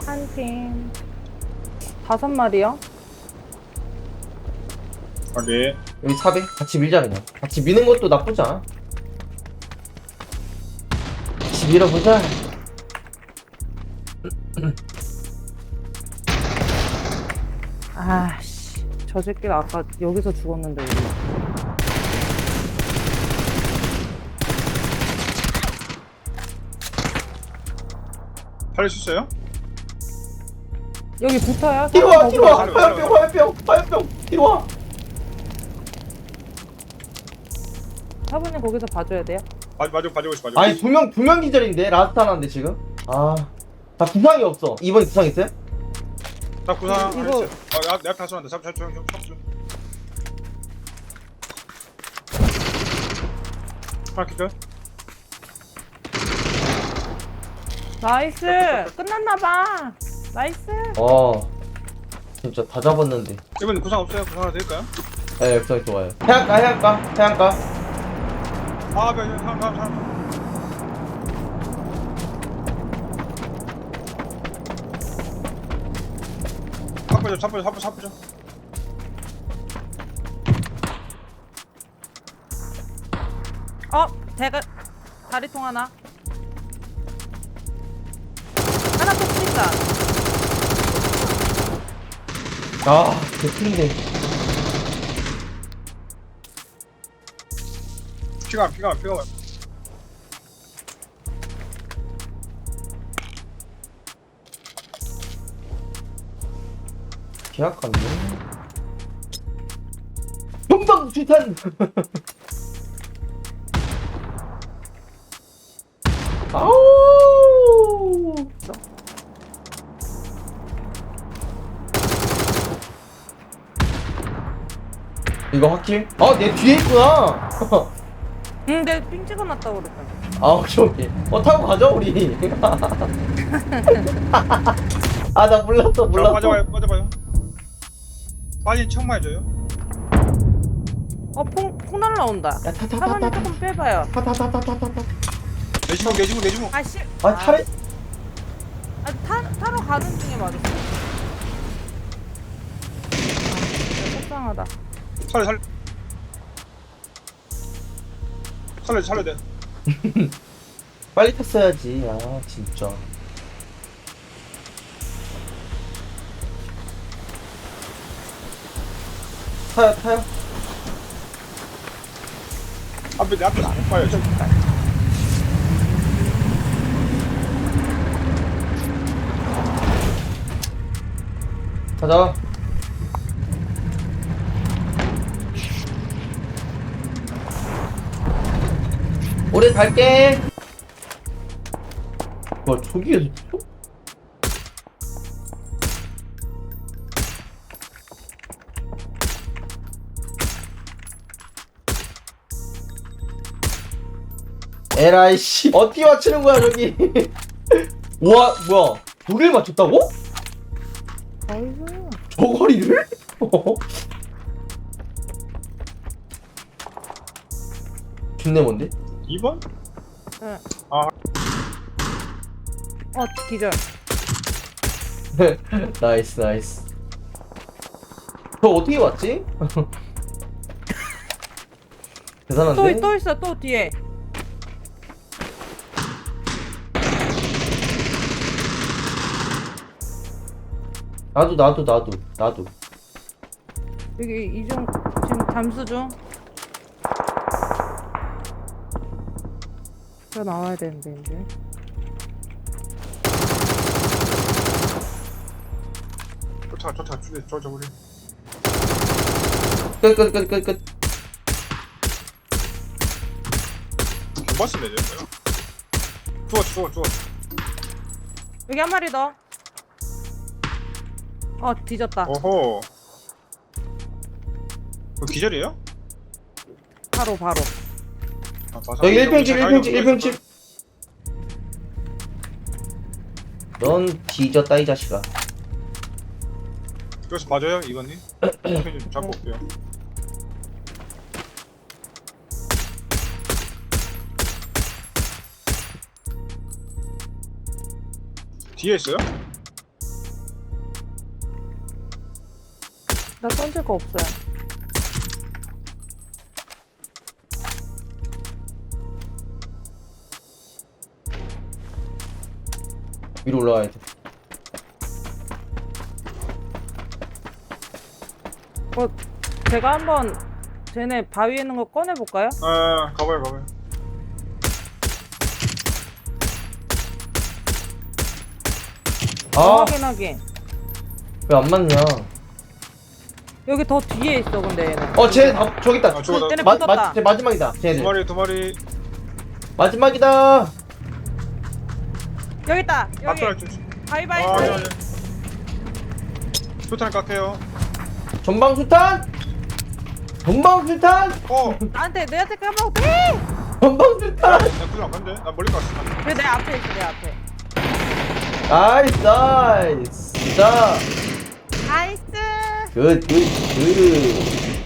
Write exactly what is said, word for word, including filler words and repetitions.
한 팀 다섯 마리요? 오케이. 여기 사배 같이 밀자 그냥. 같이 미는 것도 나쁘지 않아. 같이 밀어보자. 아씨, 저 새끼가 아까 여기서 죽었는데 우리. 살릴 수 있어요? 여기 붙어요? 뒤로 와, 사람 뒤로 와. 살려, 화염병, 살려. 화염병, 화염병. 뒤로 와. 사부님 거기서 봐줘야 돼요? 맞아, 맞아, 봐주고 있어, 봐주고 아니 있어. 두명 두 명 기절인데 라스트 하나인데 지금. 아, 나 구상이 없어. 이번 구상 있어요? 나 구상 이거- 이거... 어, 야, 내가 다 쏘는데. 잡, 잡, 잡, 잡, 잡. 하나 기절? 나이스! 끝났나봐! 나이스! 어, 진짜 다 잡았는데. 이번 구상 없어요? 구상 하나 드릴까요? 네, 구상이 좋아요. 해안가, 해안가, 해안가. 아, 네, 네, 사람, 사람, 사람. 사포죠, 사포죠, 사포, 사포죠. 어! 제가 다리통 하나 하나 더 찍다. 아, 개틀리네. 피가, 피가, 피가. 계약관네. 용방주탄. 아우. 이거 확킬? 아, 내 뒤에 있구나. 응, 내가 삥 찍어놨다고 그랬잖아. 아, 오케이, 오케이. 어, 타고 가자, 우리. 아, 나 몰랐어, 자, 몰랐어. 빠져봐요, 빠져봐요. 빠진 척만 해줘요. 어, 폭, 폭 날라온다. 야, 타, 타, 타, 사부님 타, 타. 조금 빼봐요. 타, 타, 타, 타, 타, 타, 타. 내 주먹, 내 주먹, 내 주먹. 아, 씨. 아, 타래? 아, 타, 타러 가는 중에 맞았어. 아, 진짜 속상하다. 살려, 살려. 살려, 살려 돼. 빨리 탔어야지. 아, 진짜. 타요, 타요. 앞에, 내 앞에 안 봐요, 저기. 가자. 오래 갈게. 와, 저기에서 또? 에라이 씨, 어떻게 맞추는 거야 저기? 와, 뭐야? 두 개를 맞췄다고? 아이고. 저 거리를? 존내 뭔데? 이 번? 응. 아. 어, 기절. 나이스 나이스. 저 어떻게 왔지? 대단한데? 또, 또 있어, 또 뒤에. 나도 나도 나도 나도. 여기 이중 지금 잠수 중. 저 나와야 되는데 이제. 쫓아, 쫓아, 쫓아, 쫓아, 우리. 끝끝끝끝끝. 두 번씩 내죠, 뭐야? 죽었어, 죽었어, 죽었어. 여기 한 마리 더. 어, 뒤졌다. 오호. 그 기절이에요? 바로 바로. 아, 다 여기 살려. 일 평집 일 자기가 평집 일 누가 평집. 있을걸? 넌 뒤졌다 이 자식아. 그래서 봐줘요, 이건님. 좀 잡고 올게요. 뒤에 있어요? 나 던질 거 없어요. 위로 올라가야 돼. 어, 제가 한번 쟤네 바위에 있는 거 꺼내볼까요? 아 가봐요 가봐요. 아, 확인 확인. 왜 안 맞냐? 여기 더 뒤에 있어 근데 얘는. 어, 쟤 다, 저기 있다. 아 죽었다. 쟤네 마, 붙었다. 마, 쟤 마지막이다. 두 쟤네들. 마리 두 마리. 마지막이다. 여기 있다. 여기. 앞에 할줄. 바위바위. 아 바위. 아니 아니. 수탄 깎게요. 전방수탄! 전방수탄! 어. 나한테 내한테 까먹어 돼. 전방수탄! 나 구경 안 간대. 나 멀리 갔어. 왜 내 앞에 있어 내 앞에. 나이스, 나이스. 자, 나이스. 굿, 굿, 굿.